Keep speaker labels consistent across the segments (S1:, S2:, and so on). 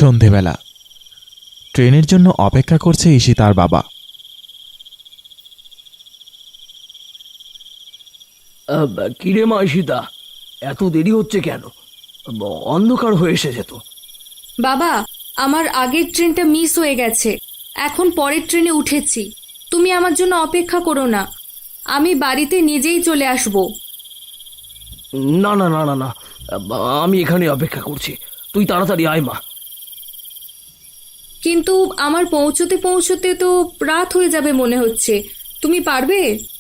S1: সন্ধেবেলা ট্রেনের জন্য অপেক্ষা করছে ঈশিতার বাবা।
S2: কিরে মা ঈশিতা, এত দেরি হচ্ছে কেন? অন্ধকার হয়ে এসেছে তো।
S3: বাবা, আমার আগের ট্রেনটা মিস হয়ে গেছে। এখন পরের ট্রেনে উঠেছি। তুমি আমার জন্য অপেক্ষা করো না, আমি বাড়িতে নিজেই চলে আসব।
S2: না না না না না, আমি এখানে অপেক্ষা করছি, তুই তাড়াতাড়ি আয় মা।
S3: কিন্তু আমার পৌঁছতে পৌঁছতে তো রাত হয়ে যাবে মনে হচ্ছে। তুমি পারবে?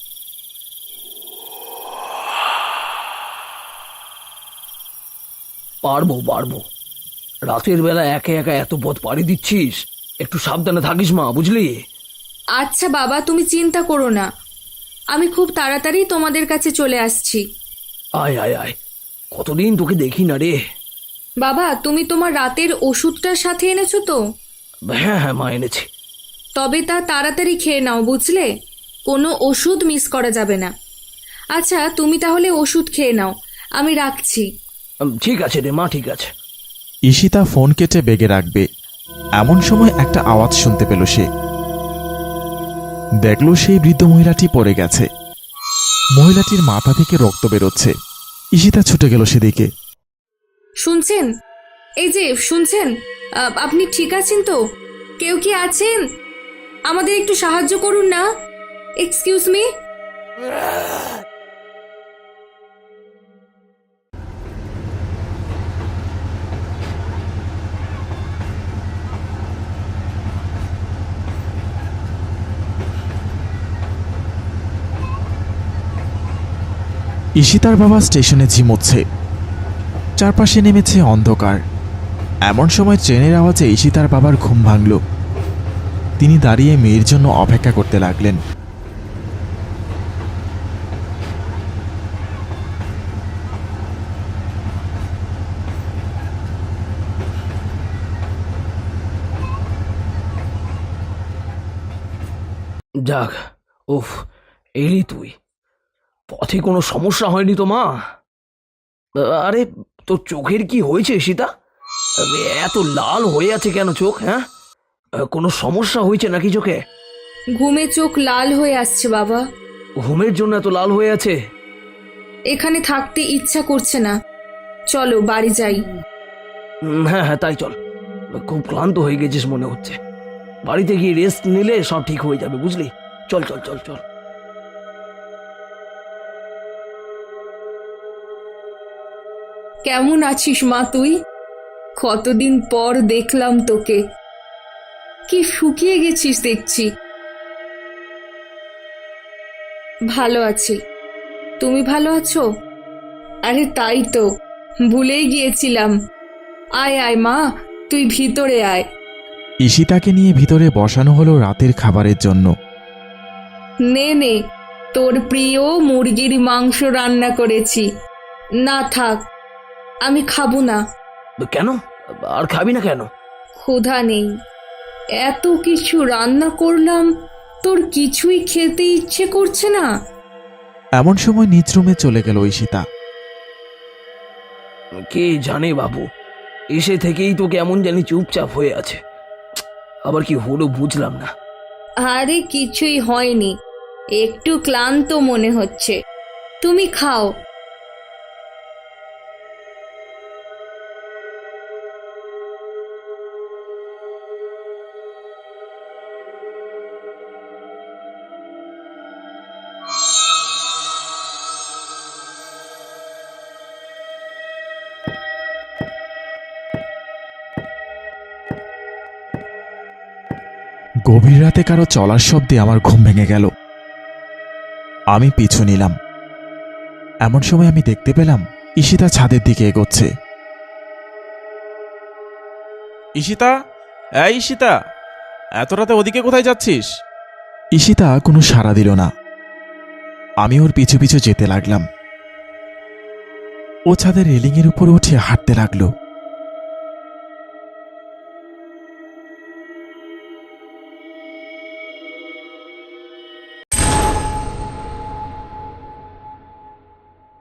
S2: পারবো পারবো, রাতের বেলা একা একা এত পথ পাড়ি দিচ্ছিস, একটু সাবধানে থাকিস মা, বুঝলি?
S3: আচ্ছা বাবা, তুমি চিন্তা করো না, আমি খুব তাড়াতাড়ি তোমাদের কাছে চলে আসছি।
S2: আয় আয় আয়, কতদিন তোকে দেখি না রে।
S3: বাবা, তুমি তোমার রাতের ওষুধটার সাথে এনেছো তো?
S2: হ্যাঁ হ্যাঁ মা, এনেছি।
S3: তবে তা তাড়াতাড়ি খেয়ে নাও, বুঝলে? কোনো ওষুধ মিস করা যাবে না। আচ্ছা, তুমি তাহলে ওষুধ খেয়ে নাও, আমি রাখছি।
S2: ঠিক আছে রে মা, ঠিক আছে।
S1: ঈশিতা ফোন কেটে বেগে রাখবে এমন সময় একটা আওয়াজ শুনতে পেল সে। দেখল সেই বৃদ্ধ মহিলাটি পড়ে গেছে। মহিলাটির মাথা থেকে রক্ত বেরোচ্ছে। ঈশিতা ছুটে গেল সেদিকে।
S3: শুনছেন? এই যে শুনছেন, আপনি ঠিক আছেন তো? কেউ কি আছেন? আমাদের একটু সাহায্য করুন না। Excuse me.
S1: ঈশিতার বাবা স্টেশনে ঝিমোচ্ছে। চারপাশে নেমেছে অন্ধকার। এমন সময় ট্রেনের আওয়াজে ঈশিতার বাবার ঘুম ভাঙল। তিনি দাঁড়িয়ে মেয়ের জন্য অপেক্ষা করতে লাগলেন।
S2: যাক, উফ, এলি তুই। পথে কোনো সমস্যা হয়নি তো মা? আরে, তোর চোখের কি হয়েছে সীতা? এত লাল হয়ে আছে কেন চোখ? হ্যাঁ, কোনো সমস্যা হয়েছে নাকি চোখে?
S3: ঘুমে চোখ লাল হয়ে আসছে বাবা।
S2: ঘুমের জন্য এত লাল হয়ে আছে?
S3: এখানে থাকতে ইচ্ছা করছে না। চলো বাড়ি যাই।
S2: হ্যাঁ হ্যাঁ, তাই চল। খুব ক্লান্ত হয়ে গেছিস মনে হচ্ছে। বাড়িতে গিয়ে রেস্ট নিলে সব ঠিক হয়ে যাবে, বুঝলি? চল চল চল চল।
S3: কেমন আছিস মা তুই? কতদিন পর দেখলাম তোকে। কি শুকিয়ে গেছিস দেখছি। ভালো আছি, তুমি ভালো আছো? আরে তাই তো, ভুলেই গিয়েছিলাম। আয় আয় মা, তুই ভিতরে আয়।
S1: ঈশিতাকে নিয়ে ভিতরে বসানো হলো রাতের খাবারের জন্য।
S3: নে নে, তোর প্রিয় মুরগির মাংস রান্না করেছি। না থাক, আমি খাবো না।
S2: কেন? আর খাবি না কেন?
S3: ক্ষুধা নেই। এত কিছু রান্না করলাম, তোর কিছুই খেতে ইচ্ছে করছে না?
S1: এমন সময় নিজ রুমে চলে গেল ঈশিতা।
S2: কে জানে বাবু, এসে থেকেই তো কেমন জানি চুপচাপ হয়ে আছে। আবার কি হলো বুঝলাম না।
S3: আরে কিছুই হয়নি, একটু ক্লান্ত মনে হচ্ছে। তুমি খাও।
S1: গভীর রাতে কারো চলার শব্দে আমার ঘুম ভেঙে গেল। আমি পিছু নিলাম। এমন সময় আমি দেখতে পেলাম ঈশিতা ছাদের দিকে এগোচ্ছে। ঈশিতা, এই ঈশিতা, এত রাতে ওদিকে কোথায় যাচ্ছিস? ঈশিতা কোনো সাড়া দিল না। আমি ওর পিছু পিছু যেতে লাগলাম। ও ছাদের রেলিংয়ের উপর উঠে হাঁটতে লাগলো।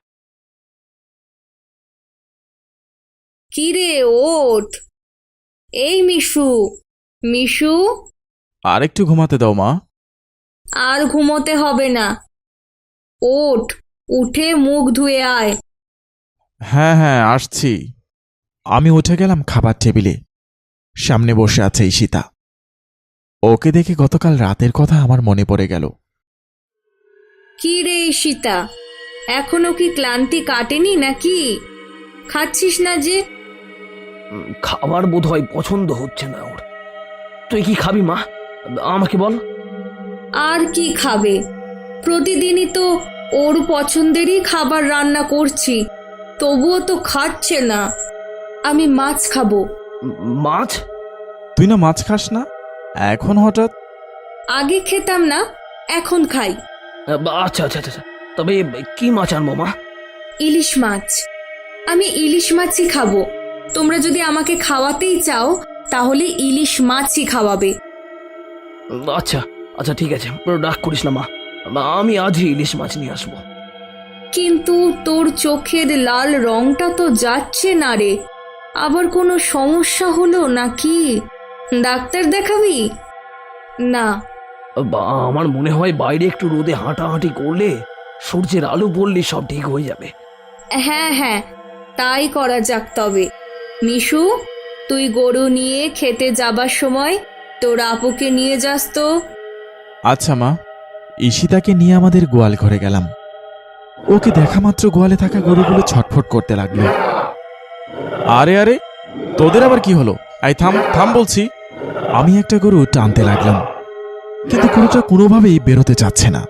S3: কিরে ওঠ, এই মিশু, মিশু,
S1: আর একটু ঘুমাতে দাও মা।
S3: আর ঘুমোতে হবে না। ওঠ, উঠে মুখ ধুয়ে আয়।
S1: হ্যাঁ হ্যাঁ আসছি। আমি উঠে গেলাম খাবার টেবিলে। সামনে বসে আছে ঈশিতা। ওকে দেখে গতকাল রাতের কথা আমার মনে পড়ে গেল।
S3: কি রে ঈশিতা, এখনো কি ক্লান্তি কাটেনি নাকি? খাচ্ছিস না যে?
S2: খাবার বোধ হয় পছন্দ হচ্ছে না ওর। তুই কি খাবি মা, আমাকে বল।
S3: আর কি খাবে? প্রতিদিনই তো ওর পছন্দেরই খাবার রান্না করছি, তবুও তো খাচ্ছে না। আমি মাছ খাবো।
S2: মাছ?
S1: তুই না মাছ খাস না, এখন হঠাৎ?
S3: আগে খেতাম না, এখন খাই।
S2: আচ্ছা আচ্ছা আচ্ছা, তবে কি মাছ আনবো মা?
S3: ইলিশ মাছ। আমি ইলিশ মাছই খাবো। তোমরা যদি আমাকে খাওয়াতেই চাও তাহলে ইলিশ মাছই খাওয়াবে।
S2: আচ্ছা আচ্ছা ঠিক আছে, রাগ করিস না মা, আমি আজই ইলিশ মাছ নিয়ে আসবো।
S3: কিন্তু তোর চোখের লাল রংটা তো যাচ্ছে না রে। আবার কোনো সমস্যা হলো নাকি? ডাক্তার দেখাবি? না।
S2: আমার মনে হয় বাইরে একটু রোদে হাঁটাহাঁটি করলে, সূর্যের আলো পড়লে সব ঠিক হয়ে যাবে।
S3: হ্যাঁ হ্যাঁ, তাই করা যাক তবে। মিশু, তুই গরু নিয়ে খেতে যাবার সময় তোর আপুকে নিয়ে যাস তো।
S1: আচ্ছা মা। ঈশিতাকে নিয়ে আমাদের গোয়াল ঘরে গেলাম। ওকে দেখা মাত্র গোয়ালে থাকা গরুগুলো ছটফট করতে লাগলো। আরে আরে, তোদের আবার কি হলো? এই থাম থাম বলছি। আমি একটা গরু টানতে লাগলাম, কিন্তু গরুটা কোনোভাবেই বেরোতে চাচ্ছে না।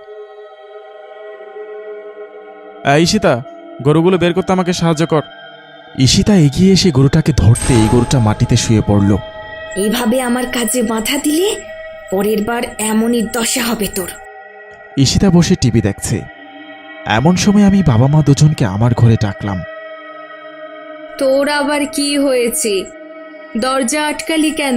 S1: ঈশিতা, গরুগুলো বের করতে আমাকে সাহায্য কর। ঈশিতা এগিয়ে এসে গরুটাকে ধরতে এই গরুটা মাটিতে শুয়ে পড়ল।
S3: এইভাবে আমার কাজে বাধা দিলে পরের বার এমনই দশা হবে তোর।
S1: ঈশিতা বসে টিভি দেখছে। এমন সময় আমি বাবা মা দুজনকে আমার ঘরে ডাকলাম।
S3: তোর আবার কি হয়েছে? দরজা আটকালি কেন?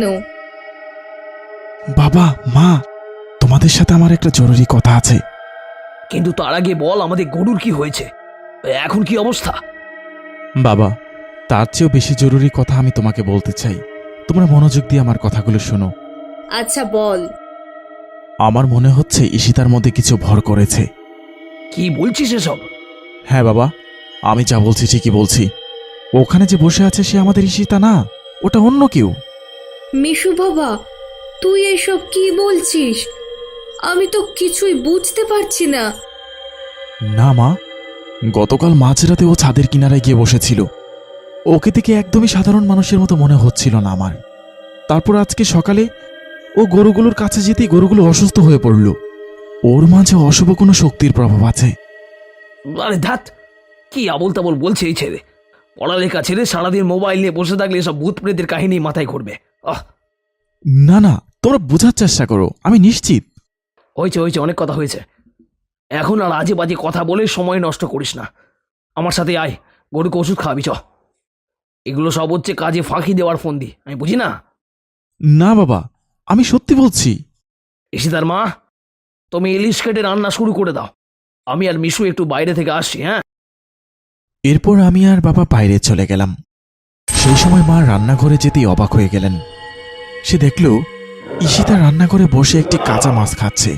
S1: বাবা মা, তোমাদের সাথে আমার একটা জরুরি কথা আছে।
S2: কিন্তু তার আগে বল, আমাদের গরুর কি হয়েছে, এখন কি অবস্থা?
S1: বাবা, তার চেয়েও বেশি জরুরি কথা আমি তোমাকে বলতে চাই। তোমরা মনোযোগ দিয়ে আমার কথাগুলো শোনো।
S3: আচ্ছা বল।
S1: আমার মনে হচ্ছে ঈশিতার মধ্যে কিছু ভর করেছে।
S2: কি বলছিস এসব?
S1: হ্যাঁ বাবা, আমি যা বলছি ঠিকই বলছি। ওখানে যে বসে আছে সে আমাদের ঈশিতা না, ওটা অন্য কেউ।
S3: মিশু বাবা, তুই এসব কি বলছিস? আমি তো কিছুই বুঝতে পারছি না।
S1: না মা, গতকাল মাঝরাতে ও ছাদের কিনারায় গিয়ে বসেছিল। ওকে থেকে একদমই সাধারণ মানুষের মতো মনে হচ্ছিল না আমার। তারপর আজকে সকালে ও গরুগুলোর কাছে যেতেই গরুগুলো অসুস্থ হয়ে পড়ল। ওর মাঝে অশুভ কোনো শক্তির প্রভাব আছে।
S2: আরে ধ্যাত, কি আবোল তাবোল বলছে এই ছেলে। পড়ালেখা ছেড়ে সারাদিন মোবাইল নিয়ে বসে থাকলে এসব ভূত প্রেতের কাহিনী মাথায় ঘুরবে।
S1: না না, তোমরা বোঝার চেষ্টা করো, আমি নিশ্চিত।
S2: হয়েছে হয়েছে, অনেক কথা হয়েছে। এখন আর আজে বাজে কথা বলে সময় নষ্ট করিস না। আমার সাথে আয়, গরুকে ওষুধ খাওয়াবি চ। এগুলো সব হচ্ছে কাজে ফাঁকি দেওয়ার ফোন দি, আমি বুঝি না?
S1: না বাবা, আমি সত্যি বলছি।
S2: ঈশিতার মা, তুমি ইলিশ কেটে রান্না শুরু করে দাও। আমি আর মিশু একটু বাইরে থেকে আসছি। হ্যাঁ।
S1: এরপর আমি আর বাবা বাইরে চলে গেলাম। সেই সময় মা রান্নাঘরে যেতেই অবাক হয়ে গেলেন। সে দেখল ঈশিতা রান্নাঘরে বসে একটি কাঁচা মাছ খাচ্ছে।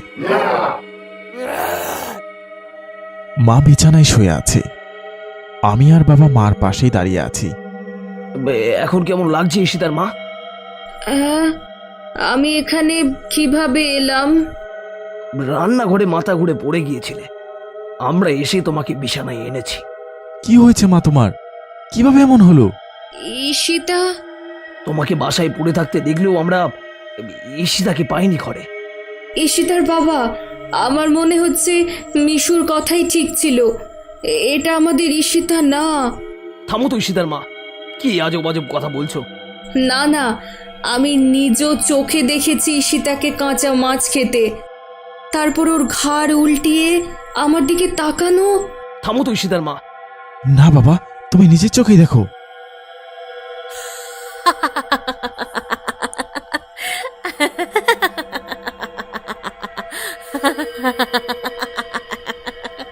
S1: মা বিছানায় শুয়ে আছে। আমি আর বাবা মার পাশেই দাঁড়িয়ে আছি।
S2: এখন কেমন লাগছে ঈশিতার মা?
S3: আমি এখানে কিভাবে এলাম?
S2: রান্নাঘরে মাথা ঘুরে পড়ে গিয়েছিলে, আমরা এসে তোমাকে বিছানায় এনেছি।
S1: কি হয়েছে মা তোমার? কিভাবে এমন হলো?
S3: ঈশিতা?
S2: তোমাকে বাসায় পড়ে থাকতে দেখলেও আমরা ঈশিতাকে পাইনি ঘরে।
S3: ঈশিতার বাবা, আমার মনে হচ্ছে মিশুর কথাই ঠিক ছিল। এটা আমাদের ঈশিতা না।
S2: থামো তো ঈশিতার মা, কি আজব আজব কথা বলছো?
S3: না না, আমি নিজ চোখে দেখেছি ঈশিতাকে কাঁচা মাছ খেতে, তারপর ওর ঘাড় উল্টিয়ে আমার দিকে তাকানো।
S2: থামো তো ঈশিতার মা।
S1: না বাবা, তুমি নিজের চোখেই দেখো।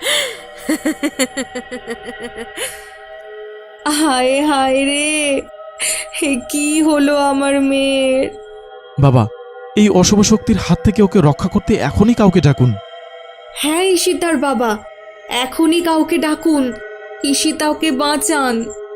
S3: হায় হায় রে, হে কি হলো আমার মেয়ের?
S1: বাবা, এই অশুভ শক্তির হাত থেকে ওকে রক্ষা করতে এখনই কাউকে ডাকুন।
S3: হ্যাঁ ঈশিতার বাবা, এখনই কাউকে ডাকুন, ঈশিতা ওকে বাঁচান।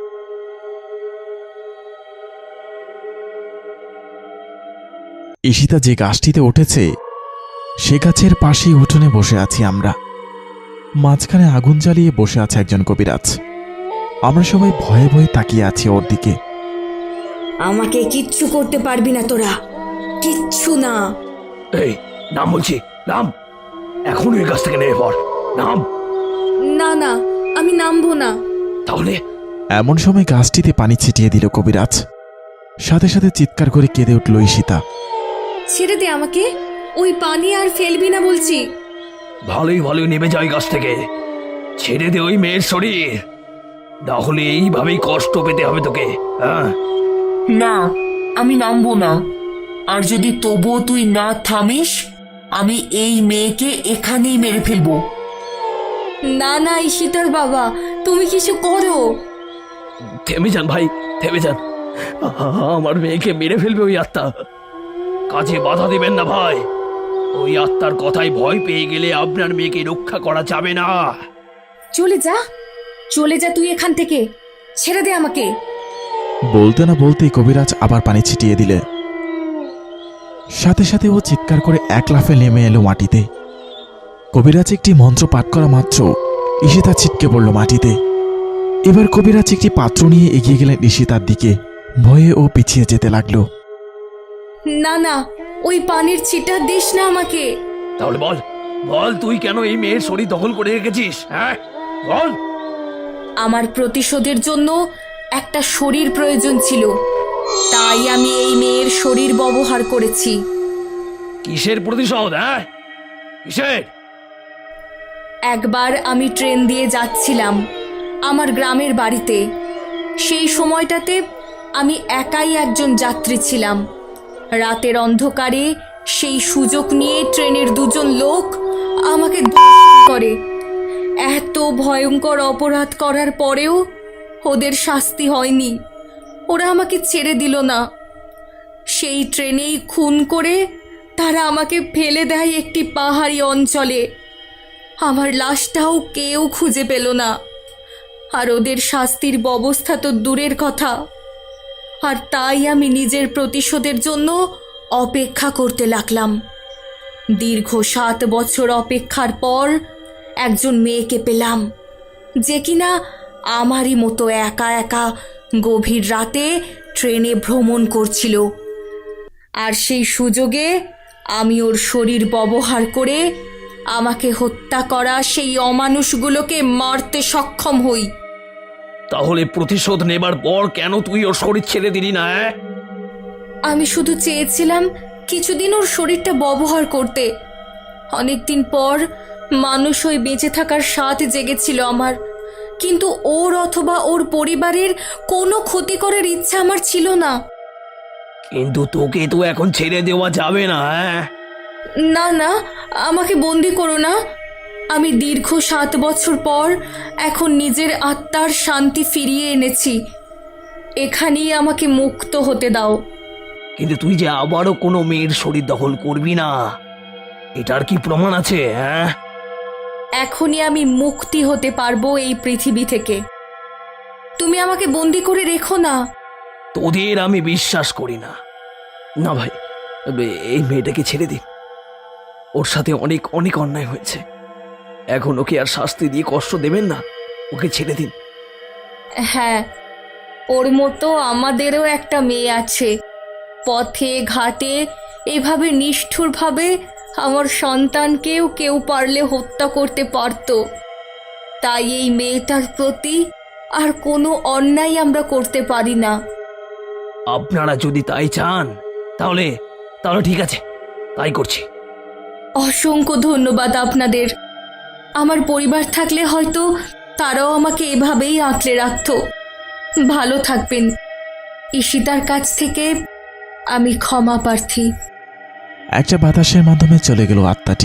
S1: ঈশিতা যে গাছটিতে উঠেছে সে গাছের পাশেই উঠোনে বসে আছি আমরা। মাঝখানে আগুন জ্বালিয়ে বসে আছে একজন কবিরাজ। আমরা সবাই ভয়ে ভয়ে তাকিয়ে আছি ওর দিকে।
S3: আমাকে কিচ্ছু করতে পারবি না তোরা, কিচ্ছু না।
S2: এই নাম বলছি, নাম, এখন ওই গাছ থেকে নেমে পড়, নাম।
S3: না না, আমি নামবো না।
S2: তাহলে
S1: এমন সময় গাছটিতে পানি ছিটিয়ে দিল কবিরাজ। সাথে সাথে চিৎকার করে কেঁদে উঠল ঈশিতা।
S3: ছেড়ে দে আমাকে, ওই পানি আর ফেলবি না বলছি।
S2: ভালোই ভালোই নেমে যায় গাছ থেকে, ছেড়ে দে ওই মেয়ের শরীর, না হলে এইভাবেই কষ্ট পেতে হবে তোকে। হ্যাঁ,
S4: না, আমি নামবো না। আর যদি তবুও তুই না থামিস, আমি এই মেয়েকে এখানেই মেরে ফেলবো।
S3: না না ঈশিতার বাবা, তুমি কিছু করো।
S2: থেমে যান ভাই, থেমে যান। আমার মেয়েকে মেরে ফেলবে ওই আত্মা, কাজে বাধা দিবেন না ভাই। ওই আত্মার কথায় ভয় পেয়ে গেলে আপনার মেয়েকে রক্ষা করা যাবে না।
S3: চলে যা, চলে যা তুই এখান থেকে, ছেড়ে দে আমাকে।
S1: বলতে না বলতেই কবিরাজ আবার পানি ছিটিয়ে দিলে। সাথে সাথে ও চিৎকার করে এক লাফে নেমে এলো মাটিতে। কবিরাজ একটি মন্ত্র পাঠ করা মাত্র ঈশিতা ছিটকে পড়ল মাটিতে। এবার কবিরাজ একটি পাত্র নিয়ে এগিয়ে গেলেন ঈশিতার দিকে। ভয়ে ও পিছিয়ে যেতে লাগলো।
S3: না না, ওই পানির ছিটা দিস না আমাকে।
S2: তাহলে বল, বল তুই কেন এই মেয়ের শরীর দখল করে রেখেছিস? হ্যাঁ বল।
S3: আমার প্রতিশোধের জন্য একটা শরীর প্রয়োজন ছিল, তাই আমি এই মেয়ের শরীর ব্যবহার করেছি।
S2: কিসের প্রতিশোধ? হ্যাঁ কিসের?
S3: একবার আমি ট্রেন দিয়ে যাচ্ছিলাম আমার গ্রামের বাড়িতে। সেই সময়টাতে আমি একাই একজন যাত্রী ছিলাম। রাতের অন্ধকারে সেই সুযোগ নিয়ে ট্রেনের দুজন লোক আমাকে ধর্ষণ করে। এত ভয়ঙ্কর অপরাধ করার পরেও ওদের শাস্তি হয়নি, ওরা আমাকে ছেড়ে দিল না। সেই ট্রেনেই খুন করে তারা আমাকে ফেলে দেয় একটি পাহাড়ি অঞ্চলে। আমার লাশটাও কেউ খুঁজে পেল না। আর ওদের শাস্তির ব্যবস্থা তো দূরের কথা। আর তাই আমি নিজের প্রতিশোধের জন্য অপেক্ষা করতে লাগলাম। দীর্ঘ 7 বছর অপেক্ষার পর একজন মেয়েকে পেলাম, যে কিনা আমারই মতো একা একা গভীর রাতে ট্রেনে ভ্রমণ করছিল। আর সেই সুযোগে আমি ওর শরীর ব্যবহার করে আমাকে হত্যা করা সেই অমানুষগুলোকে মারতে সক্ষম হই।
S2: তাহলে প্রতিশোধ নেবার পর কেন তুই ওর শরীর ছেড়ে দিলি না?
S3: আমি শুধু চেয়েছিলাম কিছুদিন ওর শরীরটা ব্যবহার করতে। অনেকদিন পর মানুষ হয়ে বেঁচে থাকার স্বাদ জেগেছিল আমার, কিন্তু ওর অথবা ওর পরিবারের কোনো ক্ষতি করার ইচ্ছা আমার ছিল না।
S2: কিন্তু তোকে তো এখন ছেড়ে দেওয়া যাবে না।
S3: না না, আমাকে বন্দি করো না। আমি দীর্ঘ 7 বছর পর এখন নিজের আত্মার শান্তি ফিরিয়ে এনেছি। এখানেই আমাকে মুক্ত হতে দাও।
S2: কিন্তু তুই যে আবারও কোনো মেয়ের শরীর দখল করবি না, এটার কি প্রমাণ আছে? হ্যাঁ,
S3: এখনই আমি মুক্তি হতে পারবো এই পৃথিবী থেকে। তুমি আমাকে বন্দি করে রেখো না।
S2: তোদের আমি বিশ্বাস করি না। না ভাই, এই মেয়েটাকে ছেড়ে দিন। ওর সাথে অনেক অনেক অন্যায় হয়েছে, এখন ওকে আর শাস্তি দিয়ে কষ্ট দেবেন না, ওকে ছেড়ে দিন।
S3: হ্যাঁ, ওর মতো আমাদেরও একটা মেয়ে আছে। পথে ঘাটে এভাবে নিষ্ঠুরভাবে আমার সন্তানকেও কেউ পারলে হত্যা করতে পারত। তাই এই মেয়েটার প্রতি আর কোনো অন্যায় আমরা করতে পারি না।
S2: আপনারা যদি তাই চান তাহলে তাহলে ঠিক আছে, তাই করছি।
S3: অসংখ্য ধন্যবাদ আপনাদের। আমার পরিবার থাকলে হয়তো তারাও আমাকে এভাবেই আঁকড়ে রাখত। ভালো থাকবেন। ঈশিতার কাছ থেকে আমি ক্ষমা প্রার্থী।
S1: একটা বাতাসের মাধ্যমে চলে গেল আত্মাটি।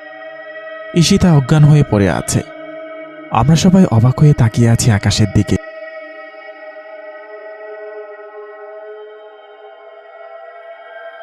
S1: ঈশিতা অজ্ঞান হয়ে পড়ে আছে। আমরা সবাই অবাক হয়ে তাকিয়ে আছি আকাশের দিকে।